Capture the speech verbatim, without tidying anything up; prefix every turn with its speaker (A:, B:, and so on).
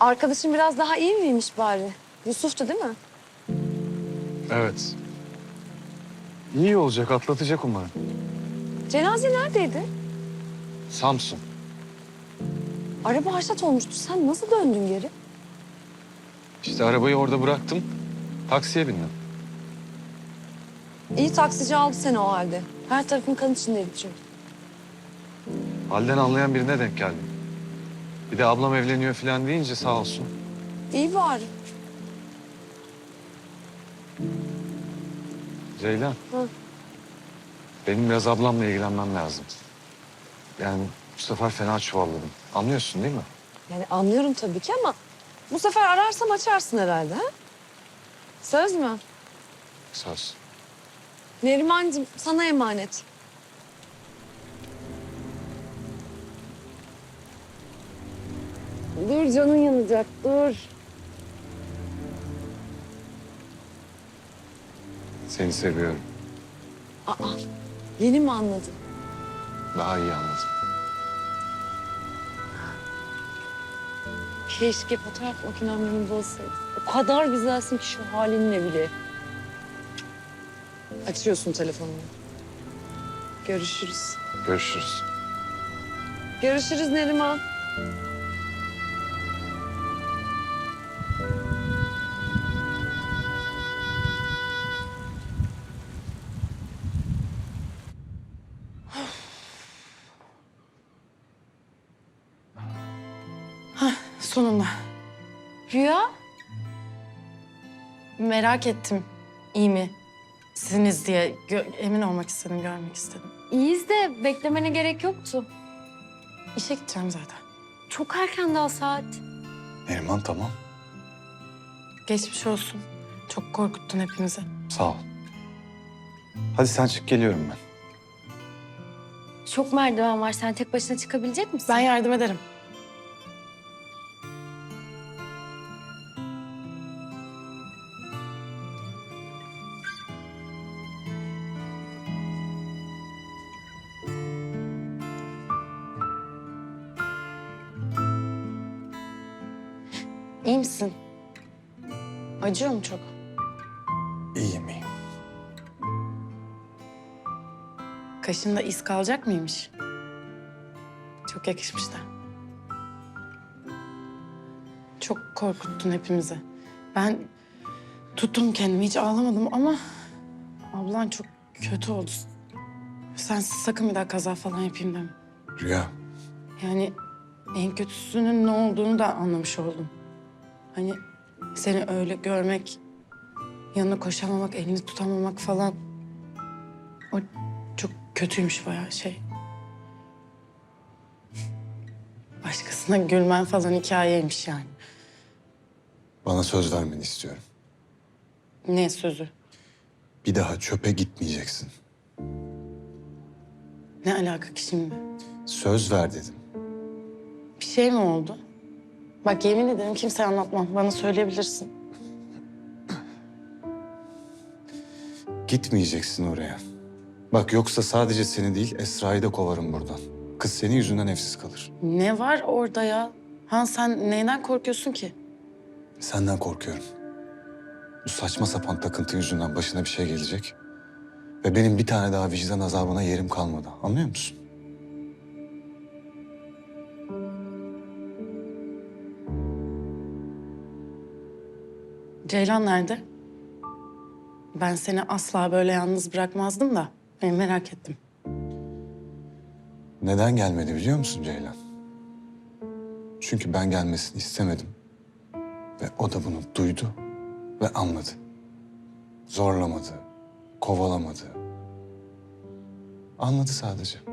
A: Arkadaşın biraz daha iyi miymiş bari? Yusuf'tu değil mi?
B: Evet. İyi olacak, atlatacak umarım.
A: Cenaze neredeydi?
B: Samsun.
A: Araba haşat olmuştu. Sen nasıl döndün geri?
B: İşte arabayı orada bıraktım. Taksiye bindim.
A: İyi taksici aldı seni o halde. Her tarafın kan içindeydi çünkü.
B: Halden anlayan birine denk geldim. Bir de ablam evleniyor falan deyince sağ olsun.
A: İyi bari.
B: Ceylan.
A: Hı.
B: Benim biraz ablamla ilgilenmem lazım. Yani bu sefer fena çuvalladım. Anlıyorsun değil mi?
A: Yani anlıyorum tabii ki ama bu sefer ararsam açarsın herhalde ha? Söz mü?
B: Söz.
A: Nerimancığım sana emanet. Dur canın yanacak dur.
B: Seni seviyorum.
A: Aa yeni mi anladın?
B: Daha iyi anladım.
A: Keşke fotoğraf makinem yanımda olsaydı. O kadar güzelsin ki şu halinle bile. Açıyorsun telefonunu. Görüşürüz.
B: Görüşürüz.
A: Görüşürüz Neriman.
C: Sonunda.
A: Rüya?
C: Merak ettim. İyi mi? Siziniz diye gö- emin olmak istedim, görmek istedim.
A: İyiyiz de beklemene gerek yoktu.
C: İşe gideceğim zaten.
A: Çok erken daha saat.
B: Neriman tamam.
C: Geçmiş olsun. Çok korkuttun hepimizi.
B: Sağ ol. Hadi sen çık, geliyorum ben.
A: Çok merdiven var. Sen tek başına çıkabilecek misin?
C: Ben yardım ederim. İyi misin? Acıyor mu çok?
B: İyiyim, iyiyim.
C: Kaşında iz kalacak mıymış? Çok yakışmış da. Çok korkuttun hepimizi. Ben tuttum kendimi, hiç ağlamadım ama ablan çok kötü oldu. Sen sakın bir daha kaza falan yapayım deme.
B: Rüya.
C: Yani en kötüsünün ne olduğunu da anlamış oldum. Hani seni öyle görmek, yanına koşamamak, elini tutamamak falan. O çok kötüymüş bayağı şey. Başkasına gülmen falan hikayeymiş yani.
D: Bana söz vermeni istiyorum.
C: Ne sözü?
D: Bir daha çöpe gitmeyeceksin.
C: Ne alaka ki şimdi?
D: Söz ver dedim.
C: Bir şey mi oldu? Bak yemin ederim kimseye anlatmam. Bana söyleyebilirsin.
D: Gitmeyeceksin oraya. Bak yoksa sadece seni değil Esra'yı da kovarım buradan. Kız senin yüzünden evsiz kalır.
C: Ne var orada ya? Han sen neyden korkuyorsun ki?
D: Senden korkuyorum. Bu saçma sapan takıntı yüzünden başına bir şey gelecek. Ve benim bir tane daha vicdan azabına yerim kalmadı. Anlıyor musun?
C: Ceylan nerede? Ben seni asla böyle yalnız bırakmazdım da. Ben merak ettim.
D: Neden gelmedi biliyor musun Ceylan? Çünkü ben gelmesini istemedim. Ve o da bunu duydu ve anladı. Zorlamadı, kovalamadı. Anladı sadece.